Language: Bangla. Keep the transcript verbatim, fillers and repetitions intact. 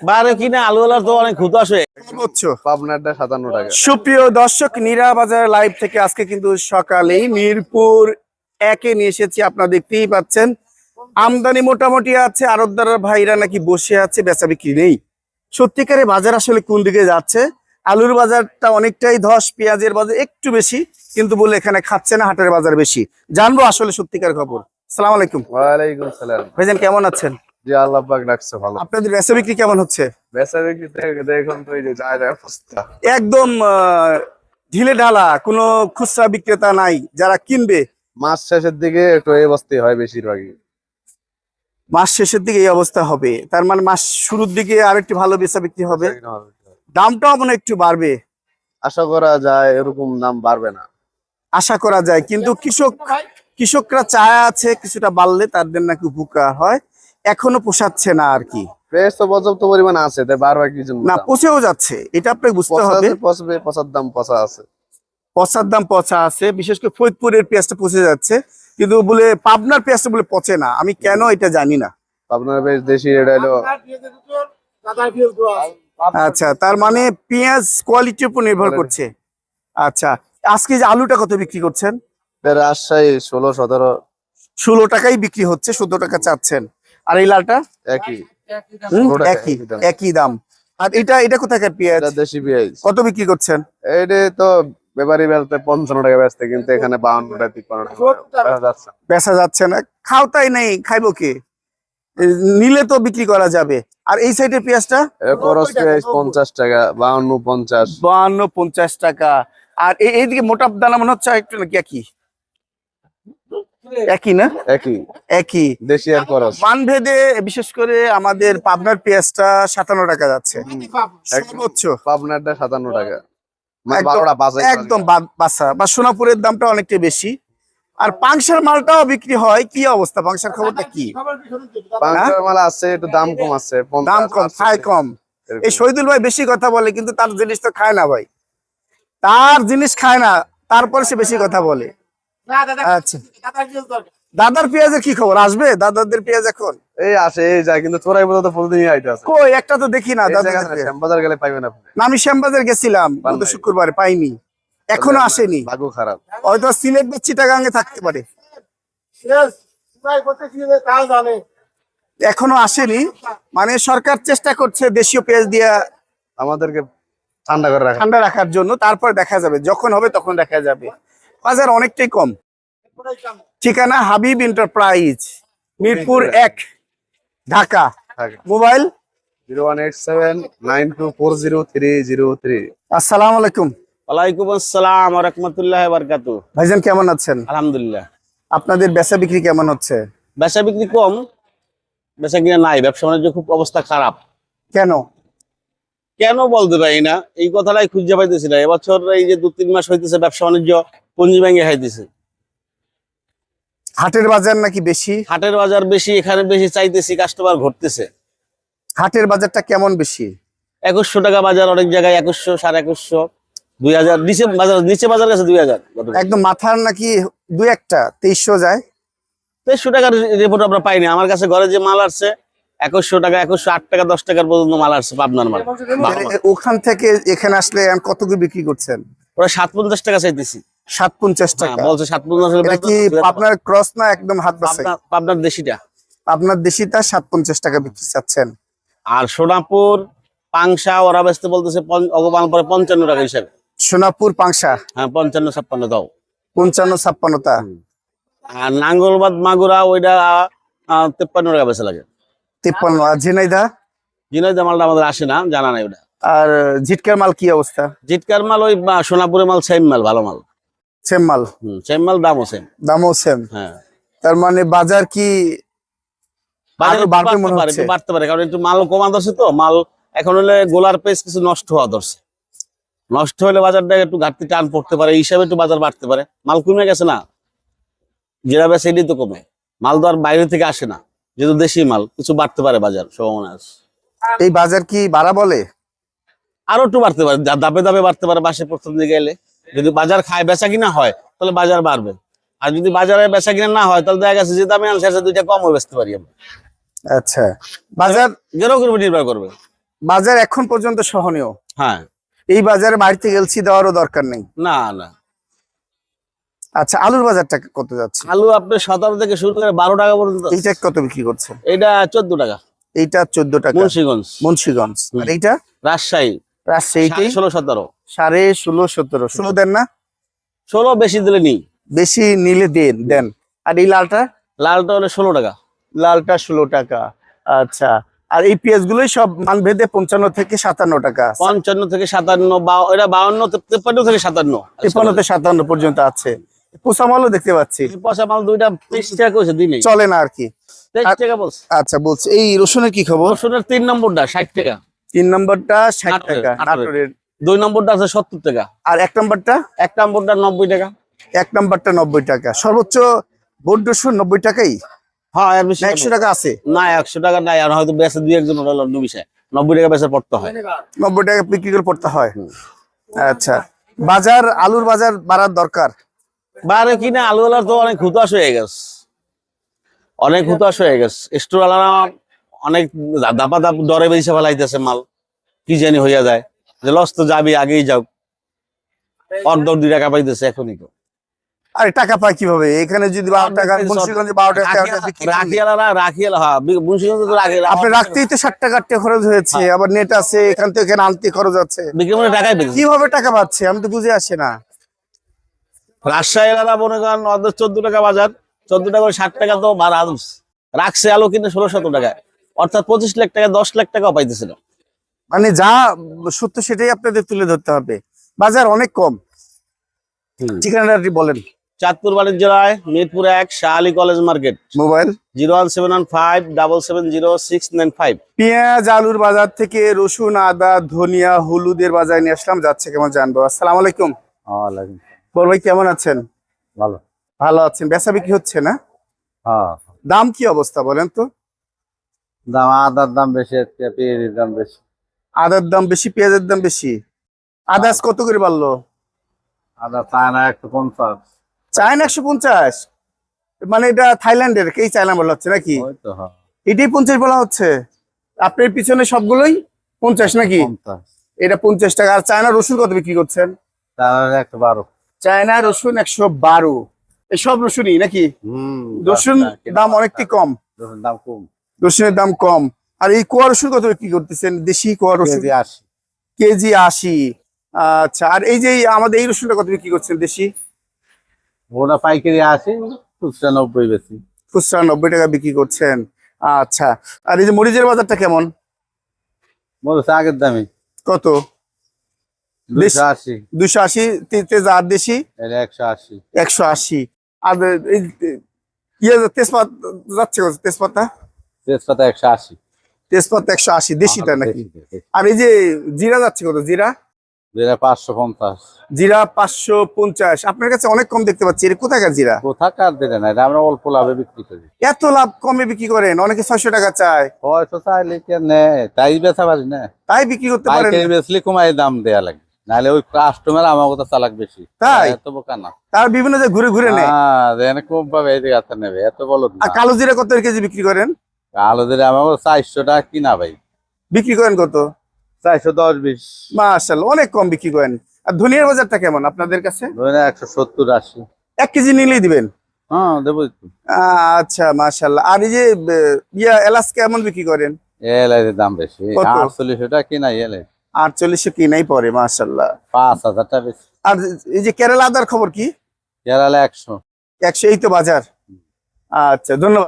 বারে কিনা আলুওয়ালার তো অনেক খুদ আসে। পাবনারটা সাতান্ন টাকা। সুপ্রিয় দর্শক, নীরা বাজার লাইভ থেকে আজকে কিন্তু সকালেই মিরপুর একে নিয়ে এসেছি। আপনারা দেখতেই পাচ্ছেন আমদানি মোটামুটি আছে, আড়তদার ভাইরা নাকি বসে আছে, বেচা বিক্রি নেই। সত্যিকারে বাজার আসলে কোন দিকে যাচ্ছে? আলুর বাজারটা অনেকটাই ধস, পেঁয়াজের বাজার একটু বেশি, কিন্তু বলে এখানে খাচ্ছে না, হাটের বাজার বেশি। জানবো আসলে সত্যিকার খবর। আসসালামু আলাইকুম। ওয়ালাইকুম সালাম। ভাইজান কেমন আছেন? জি আল্লাহ পাক রাখছে ভালো। আপনাদের বেচা বিক্রি কেমন হচ্ছে? বেচা বিক্রি দেখুন তো এই যে যায় যায় অবস্থা একদম আহ, ঢিলে ঢালা, কোনো খুচরা বিক্রেতা নাই যারা কিনবে। মাস শেষের দিকে একটু এই অবস্থায় হয় বেশিরভাগই। মাস শেষের দিকে এই অবস্থা হবে, তার মানে মাস শুরুর দিকে আর একটু ভালো বেচা বিক্রি হবে, দামটাও মনে হয় একটু বাড়বে। আশা করা যায় এরকম দাম বাড়বে না, আশা করা যায়, কিন্তু কৃষক কৃষকরা চায় আছে কিছুটা বাড়লে তাদের নাকি উপকার হয়। এখনো পোষাচ্ছে না আর কি, প্রাইস তো পর্যাপ্ত পরিমাণ আছে, তাই বারবার কি জন্য না পচেও যাচ্ছে, এটা আপনাকে বুঝতে হবে। পচবে, পচার দাম পচা আছে, পচার দাম পচা আছে, বিশেষ করে ফরিদপুরের পেঁয়াজটা পচে যাচ্ছে, কিন্তু বলে পাবনার পেঁয়াজটা বলে পচে না। আমি কেন এটা জানি না। আপনার বেশ দেশি এটা হলো। আচ্ছা, তার মানে পেঁয়াজ কোয়ালিটির উপর নির্ভর করছে। আচ্ছা, আজকে যে আলুটা কত বিক্রি করছেন? রাজশাহী ষোলো সতেরো ষোলো টাকাই বিক্রি হচ্ছে, চোদ্দ টাকা চাচ্ছেন। আর এই লালটা একই হুম, একই একই দাম। আর এটা এটা কোথাকার পেঁয়াজ? দেশি পেঁয়াজ কত বিক্রি করছেন? এইটা তো ব্যাপারী বেলতে পঞ্চান্ন টাকা বেচতে, কিন্তু এখানে বাউন্ন টাকা তিপ্পান্ন টাকা যাচ্ছে, বেচা যাচ্ছে না। খাওয়াই নেই, খাইবো কে? নিলে তো বিক্রি করা যাবে। আর এই সাইডের পেঁয়াজটা খরচ পেঁয়াজ পঞ্চাশ টাকা, বাউন্ন পঞ্চাশ বাহান্ন পঞ্চাশ টাকা। আর এই এইদিকে মোটা দানা মনে হচ্ছে একটু নাকি একই একই না একই একই দেশি আর খরচ। মানভেদে বিশেষ করে আমাদের পাবনার পেঁয়াজটা সাতান্ন টাকা যাচ্ছে সর্বোচ্চ, পাবনারটা সাতান্ন টাকা, মানে একদম- বারোটা বাজার একদম বা- বাসা বা সোনাপুরের দামটা অনেকটা বেশি। আর পাংশার মালটাও বিক্রি হয়, কি অবস্থা পাংশার খবরটা কি? পাঁচশো মাল আছে, একটু দাম কম আছে, দাম কম, খায় কম। এই শহীদুল ভাই বেশি কথা বলে, কিন্তু তার জিনিস তো খায় না ভাই, তার জিনিস খায় না, তারপরে সে বেশি কথা বলে। আচ্ছা, দাদার পেঁয়াজের কি খবর? আসবে দাদাদের পেঁয়াজ এখন? এই আসে এই যায়, কিন্তু তোরাই বোধ প্রতিদিনই আইতে আছে। কই একটা তো দেখি না দাদাদের পেঁয়াজ। শ্যামবাজার গেলে পাইবেন আপনি। না, আমি শ্যামবাজার গেছিলাম পান গত নাই? শুক্রবারে, পাইনি, এখনো আসেনি। ভাগ্য খারাপ। হয়তো সিলেট বা চিটাগাঙ্গে থাকতে পারে, এখনো আসেনি। মানে সরকার চেষ্টা করছে দেশীয় পেঁয়াজ দিয়ে আমাদেরকে ঠান্ডা করে রাখা। ঠান্ডা রাখার জন্য, তারপর দেখা যাবে, যখন হবে তখন দেখা যাবে। বাজার অনেকটাই কম। ঠিকানা হাবিব এন্টারপ্রাইজ, মিরপুর এক, Dhaka. Mobile zero one eight seven nine two four zero three zero three. আসসালামু আলাইকুম। ওয়ালাইকুম আসসালাম ওয়া রাহমাতুল্লাহি ওয়া বারাকাতুহু। ভাইজান কেমন আছেন? আলহামদুলিল্লাহ। আপনাদের বেচা বিক্রি কেমন হচ্ছে? বেচা বিক্রি কম, বেচা কিনা নাই, ব্যবসা বাণিজ্য খুব অবস্থা খারাপ। কেন? কেন বলতে পারি না, এই কথাটাই খুঁজে পাইতেছি না। এবছর এই যে দু তিন মাস হইতেছে ব্যবসা বাণিজ্য পুঞ্জি ভেঙে খাইতেছে। হাটের বাজার নাকি বেশি? হাটের বাজার বেশি, এখানে বেশি চাইতেছি, কাস্টমার ঘটতেছে। হাটের বাজারটা কেমন বেশি? একুশশো টাকা বাজার, অনেক জায়গায় একুশশো, সাড়ে একুশশো, দুই হাজার নিচে বাজার, নিচে বাজার গেছে দুই হাজার। একদম মাথার নাকি দুই একটা তেইশশো যায়? তেইশশো টাকার রিপোর্ট আমরা পাইনি। আমার কাছে ঘরে যে মাল আসছে একুশশো টাকা, একুশশো আট টাকা, দশ টাকার পর্যন্ত মাল আসছে, পাবনার মাল। ওখান থেকে এখানে আসলে এখন কত করে বিক্রি করছেন? ওরা সাত পঞ্চাশ টাকা চাইতেছি। সাত পঞ্চাশ হ্যাঁ, টাকা বলছে সাত পঞ্চাশ। এটা কি আপনার ক্রস না একদম হাত বাছাই? পাবনা- পাবনার দেশিটা। আপনার দেশিটা সাত পঞ্চাশ টাকা বিক্রি চাচ্ছেন। আর সোনাপুর পাংশা ওরা বেচতে বলতেছে অগমান পরে পঞ্চান্ন টাকা হিসাবে। সোনাপুর পাংশা হ্যাঁ, পঞ্চান্ন ছাপ্পান্ন দাও। পঞ্চান্ন ছাপ্পান্নটা। আর নাঙ্গলবাদ মাগুরা ওইটা আহ, তেপ্পান্ন টাকা বেচা লাগে। তিপ্পান্ন। আর ঝিনাইদা? জিনাইদা মালটা আমাদের আসে না, জানা নাই ওটা। আর ঝিটকার মাল কি অবস্থা? জিটকার মাল ওই বা, সোনাপুরের মাল সেম মাল, ভালো মাল। সেম মাল, হম, সেম মাল, দামও সেম। দামও সেম। হ্যাঁ, তার মানে বাজার কি বাজার আরো একটু বাড়বে বাড়তে মনে পারে, হচ্ছে? একটু বাড়তে পারে, কারণ একটু মাল কমা ধরছে তো। মাল এখন হলে গোলার পেস কিছু নষ্ট হওয়া ধরছে, নষ্ট হলে বাজারটা একটু ঘাটতি টান পড়তে পারে, এই হিসাবে একটু বাজার বাড়তে পারে। মাল কমে গেছে না, যেটা বেছে এটাই তো কমে। মাল তো আর বাইরে থেকে আসে না, যেহেতু দেশি মাল, কিছু বাড়তে পারে বাজার সম্ভাবনা আছে। এই বাজার কি বাড়া বলে? আরো একটু বাড়তে পারে, যা দাপে দাপে বাড়তে পারে। বাসে প্রথম দিকে এলে যদি বাজার খায় বেচা কিনা হয় তাহলে বাজার বাড়বে, আর যদি বাজারে বেচা কিনা না হয় তাহলে দেখা গেছে যে দামে আনছে দুইটা কম বেচতে পারি আমরা। আচ্ছা, বাজার যেরকম উপর নির্ভর করবে। বাজার এখন পর্যন্ত সহনীয়। হ্যাঁ, এই বাজারে বাড়িতে এলসি দেওয়ারও দরকার নেই। না না। আচ্ছা, আলুর বাজারটা কত যাচ্ছে? আলু আপনার সতেরো থেকে শুরু করে বারো টাকা পর্যন্ত। এইটা কত বিক্রি করছে? এটা চোদ্দ টাকা। এইটা চোদ্দ টাকা মুন্সিগঞ্জ। মুন্সিগঞ্জ। আর এইটা রাজশাহী রাজশাহী ষোলো সতেরো। সাড়ে ষোলো সতেরো। ষোলো দেন না? ষোলো বেশি দিলে নি। বেশি নিলে দেন দেন। আর এই লালটা? লালটা হলে ষোলো টাকা। লালটা ষোলো টাকা। আচ্ছা, আর এই পেঁয়াজ গুলোই সব মান ভেদে পঞ্চান্ন থেকে সাতান্ন টাকা। পঞ্চান্ন থেকে সাতান্ন, এটা বাউন্ন তেপ্পান্ন থেকে সাতান্ন, তিপ্পান্ন থেকে সাতান্ন পর্যন্ত আছে। পোষা মালও দেখতে পাচ্ছি। পয়সা মাল দুইটা তেইশ টাকা করেছে দিনে, চলে না আর কি। তেইশ টাকা বলছে। আচ্ছা, বলছি এই রসুনের কি খবর? রসুনের তিন নম্বরটা ষাট টাকা। তিন নম্বরটা ষাট নাটোরের, টাকা নাটোরের। নাটোরের। দুই নম্বরটা আছে সত্তর টাকা। আর এক নম্বরটা? এক নম্বরটা নব্বই টাকা। এক নম্বরটা নব্বই টাকা। সর্বোচ্চ বোট রসুন নব্বই টাকাই? হ্যাঁ, এর বেশি না একশো টাকা আছে? না, একশো টাকা নাই। আর হয়তো বেচে দুই একজন হলো বিষয় নব্বই টাকা বেচে পড়তে হয়। নব্বই টাকা বিক্রি করে পড়তে হয়। আচ্ছা, বাজার আলুর বাজার বাড়ার দরকার। বাইরে কিনা আলুওয়ালার তো অনেক হুতাশ হয়ে গেছে, অনেক হুতাশ হয়ে গেছে। স্টোরওয়ালারা অনেক দাপা দাপ দরে বেশি ফেলাইতেছে মাল, কি জানি হইয়া যায় যে লস তো যাবি, আগেই যাও। অর্ধ দুই টাকা পাইতেছে এখনই। তো আরে টাকা পায় কিভাবে? এখানে যদি বারো টাকা, মুন্সিগঞ্জে বারো টাকা বিক্রি করি। রাখিয়ালারা রাখিয়ালা, হ্যাঁ মুন্সিগঞ্জে তো রাখি আপনি রাখতেই তো ষাট টাকা আটটা খরচ হয়েছে, আবার নেট আছে, এখান থেকে এখানে আনতে খরচ আছে। বিক্রি করে টাকাই পেয়েছে। কিভাবে টাকা পাচ্ছে আমি তো বুঝে আসে না। রাজশাহীলারা মনে করেন অর্ধ চোদ্দ টাকা বাজার, চোদ্দ টাকা করে ষাট টাকা তো ভাড়া রাখছে আলু কিন্তু ষোলো শত টাকায়, অর্থাৎ পঁচিশ লাখ টাকা দশ লাখ টাকাও পাইতেছিল। মানে যা সত্য সেটাই আপনাদের তুলে ধরতে হবে। বাজার অনেক কম। ঠিকানাটি বলেন। চাঁদপুর বাণিজ্য রায়, মিরপুর এক, Shah Ali college market. Mobile zero one seven one five double seven zero six nine five. পেঁয়াজ আলুর বাজার থেকে রসুন, আদা, ধনিয়া, হলুদের বাজার নিয়ে আসলাম। যাচ্ছে কেমন জানবো। আসসালামু আলাইকুম। বড় ভাই কেমন আছেন? ভালো। ভালো আছেন। বেচা বিক্রি হচ্ছে না? হ্যাঁ। দাম কি অবস্থা বলেন তো? দাম আদার দাম বেশি, পেঁয়াজের দাম বেশি। আদার দাম বেশি, পেঁয়াজের দাম বেশি। আদাস কত করে বাড়লো? আদা চায়না একশো পঞ্চাশ। চায়না একশো পঞ্চাশ? মানে এটা থাইল্যান্ডের, কেই চায়না বলা হচ্ছে নাকি? ওই তো, হ্যাঁ। এটাই পঞ্চাশ বলা হচ্ছে? আপনার পিছনে সবগুলোই পঞ্চাশ নাকি? পঞ্চাশ। এটা পঞ্চাশ টাকা। আর চায়না রসুন কত বিক্রি করছেন? চায়না একশো বারো। চায়না রসুন একশো বারো। এই সব রসুনই নাকি? হম। রসুন দাম অনেকটি কম। রসুন দাম কম। রসুনের দাম কম। আর এই কোয়া রসুন কত বিক্রি করতেছেন? দেশি কোয়া রসুন কেজি আশি। কেজি আশি। আচ্ছা, আর এই যে আমাদের এই রসুনটা কত বিক্রি করছেন দেশি? ওটা পাইকারি আশি, খুচরা নব্বই বেশি। খুচরা নব্বই টাকা বিক্রি করছেন। আচ্ছা, আর এই যে মরিচের বাজারটা কেমন? মরিচ আগের দামি। কত? দুইশো আশি। দুইশো আশি তেজ। আর দেশি? এটা একশো আশি। একশো আশি। আর এই ইয়ে তেজপাতা যাচ্ছে কত? তেজপাতা? তেজপাতা একশো আশি। তেজপাতা একশো আশি দেশিটা নাকি? আর এই যে জিরা যাচ্ছে কত? জিরা? জিরা পাঁচশো পঞ্চাশ। জিরা পাঁচশো পঞ্চাশ। আপনার কাছে অনেক কম দেখতে পাচ্ছি। এটা কোথাকার জিরা? কোথাকার দিলে না, এটা আমরা অল্প লাভে বিক্রি করি। এত লাভ কমে বিক্রি করেন? অনেকে ছয়শো টাকা চায়। ছয়শো চাইলে কে নেয়, তাই বেচা পারি না। তাই বিক্রি করতে পারেন? পাইকারি বেচলে কমাই দাম দেয়া লাগে, নাহলে ওই কাস্টমার আমার কথা চালাক বেশি। তাই? এত বোকা না। তার বিভিন্ন জায়গায় ঘুরে ঘুরে নেয়। হ্যাঁ, যেন কম পাবে এই জায়গা নেবে, এত বলো না। আর কালো জিরা কত কেজি বিক্রি করেন? কালো জিরা আমার চারশো টাকা কিনা ভাই। বিক্রি করেন কত? চারশো দশ বিশ। মাশাআল্লাহ, অনেক কম বিক্রি করেন। আর ধনিয়ার বাজারটা কেমন আপনাদের কাছে? ধরে একশো সত্তর আশি। এক কেজি নিলেই দিবেন? হ্যাঁ, দেবো একটু। আচ্ছা, মাশাআল্লাহ। আর এই যে ইয়া এলাচ কেমন বিক্রি করেন? এলাইয়ের দাম বেশি, কত? আটচল্লিশশো টাকা কিনা এলাই। আটচল্লিশশো কিনাই পরে, মাশাআল্লাহ। পাঁচ হাজার টাকা বেশি। আর এই যে কেরালা আদার খবর কি? কেরালা একশো। একশো, এই তো বাজার। আচ্ছা, ধন্যবাদ।